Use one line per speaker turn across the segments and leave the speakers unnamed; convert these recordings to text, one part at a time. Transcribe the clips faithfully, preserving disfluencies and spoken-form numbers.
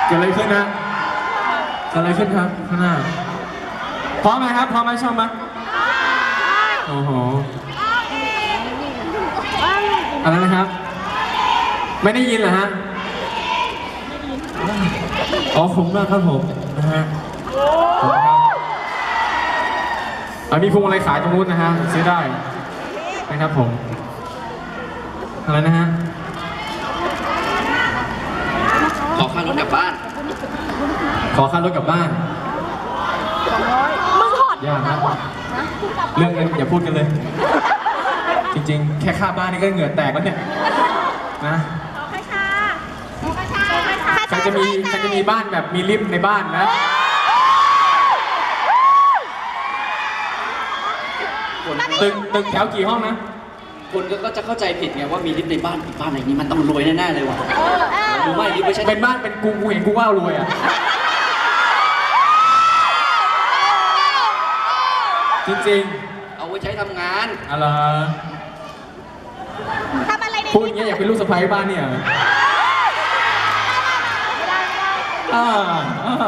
เกิดอะไรขึ้นนะเกิดอะไรขึ้นครับข้างหน้าพร้อมไหมครับพร้อมไหมชอบไหมโอ้โหอะไรนะครับไม่ได้ยินเหรอฮะอ๋อผมมากครับผมนะฮะขอบคุณครับอ่ะมีพวงอะไรขายตรงนู้นนะฮะซื้อได้นะครับผมอะไรนะฮะ
ขอค่ารถกลับบ้าน
ขอค่ารถกลับบ้าน
มึงถอด
ยากนะเรื่องเงินอย่าพูดกันเลย จริงๆแค่ค่าบ้านนี่ก็เหงื่อแตกแล้วเนี่ยนะใครจะมีใครจะมีบ้านแบบมีลิฟต์ในบ้านนะตึกตึกแถวกี่ห้องนะ
คนก็จะเข้าใจผิดไงว่ามีลิฟต์ในบ้านบ้านไหนนี้มันต้องรวยแน่ๆเลยว่ะรู้ไหมลิฟต์ไม่ใช่
เป็นบ้านเป็นกูกูเห็นกูว่ารวยอ่ะจริง
ๆเอาไว้ใช้ทำงาน
อะไร
ทำอะไรใน
พูดอย่างเงี้ยอยากเป็นลูกสะใภ้บ้านเนี่ยอ่าอ่า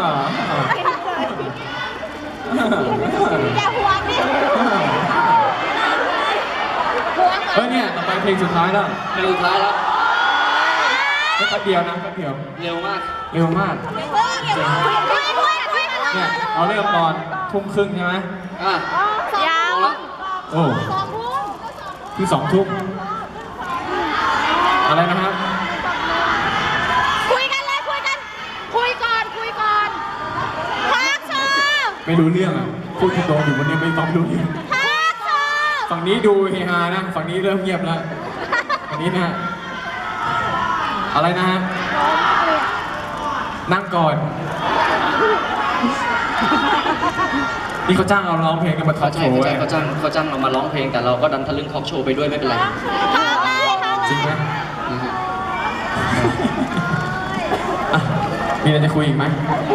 อย่าห่วงดิ
เฮ้ยเนี่ยต่อไปเพลงสุดท้ายแล้ว
เพลงสุดท้ายแล้ว
แค่เดียวนะแค่เดียว
เร็วมาก
เร็วมากเนี่ยเราเริ่มตอนทุ่มครึ่งใช่ไหม
อ่ะ
ยาว
โอ้คือสองทุ่มอะไรนะครับ
คุยกันเลยคุยกันคุยก่อนคุยก่อนพักเชอ
ไม่รู้เรื่องอ่ะพูดที่โตอยู่วันนี้ไม่ต้องรู้เรื่อง
พักเชอ
ฝั่งนี้ดูเฮฮานะฝั่งนี้เริ่มเงียบแล้วฝั่งนี้นะฮะอะไรนะฮะนั่งก่อนนี่เขาจ้างเราร้องเพลงกันมาทอล์กโชว์
เขาจ้างเขาจ้างเรามาร้องเพลงแต่เราก็ดันทะลึ่งทอล์กโชว์ไปด้วยไม่เป็นไร
จริงไหมมีอะไรจะคุยอีกไหม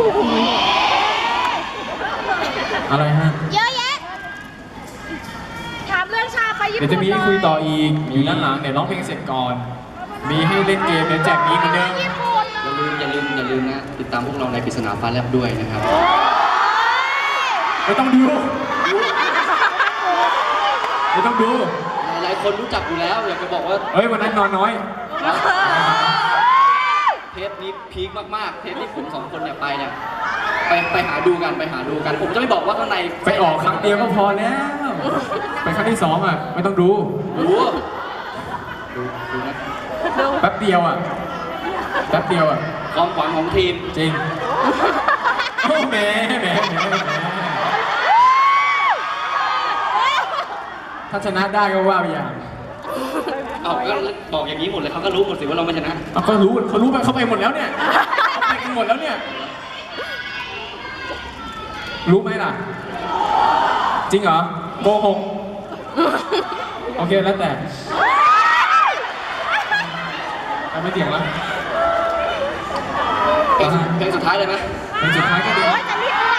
อะไรฮะ
เยอะแยะถามเรื่องชาไปญี่ปุ่น
เดี๋ยวจะมีให้คุยต่ออีกอยู่ด้านหลังเดี๋ยวร้องเพลงเสร็จก่อนมีให้เล่นเกมเดี๋ยวแจกนี้เหมือนเดิม
อย่าลืมอย่าลืมอย่าลืมนะติดตามพวกเราในปริศนาฟ้าแลบด้วยนะครับ
ไม่ต้องดูไม่ต้องดู
หลายคนรู้จักอยู่แล้วอยากจะบอกว่า
เฮ้ยวันนั้นนอนน้อย
เทปนี้พีคมากๆเทปที่ผมสองคนเนี่ยไปเนี่ยไปไปหาดูกันไปหาดูกันผมจะไม่บอกว่าข้างใน
ไปออกครั้งเดียวก็พอแล้วไปครั้งที่สองอ่ะไม่ต้องดู
ดูดูดูนะ
แป๊บเดียวอ่ะแป๊บเดียวอ่ะ
ความหวังของทีม
จริงโอ้แหมแหมแหมถ้าชนะได้ก็ว่าไปอย่าง
เอาก็บอกอย่างนี้หมดเลยเขาก็รู้หมดสิว่าเราไม่ชนะ
เขาก็รู้เขารู้ไปเขาไปหมดแล้วเนี่ยเขาไปกันหมดแล้วเนี่ยรู้ไหมล่ะจริงเหรอโกหกโอเคแล้วแต่ไม่เถียงแล้ว
เพลงสุดท้ายเลยไหม
เพลงสุดท้ายก็ดี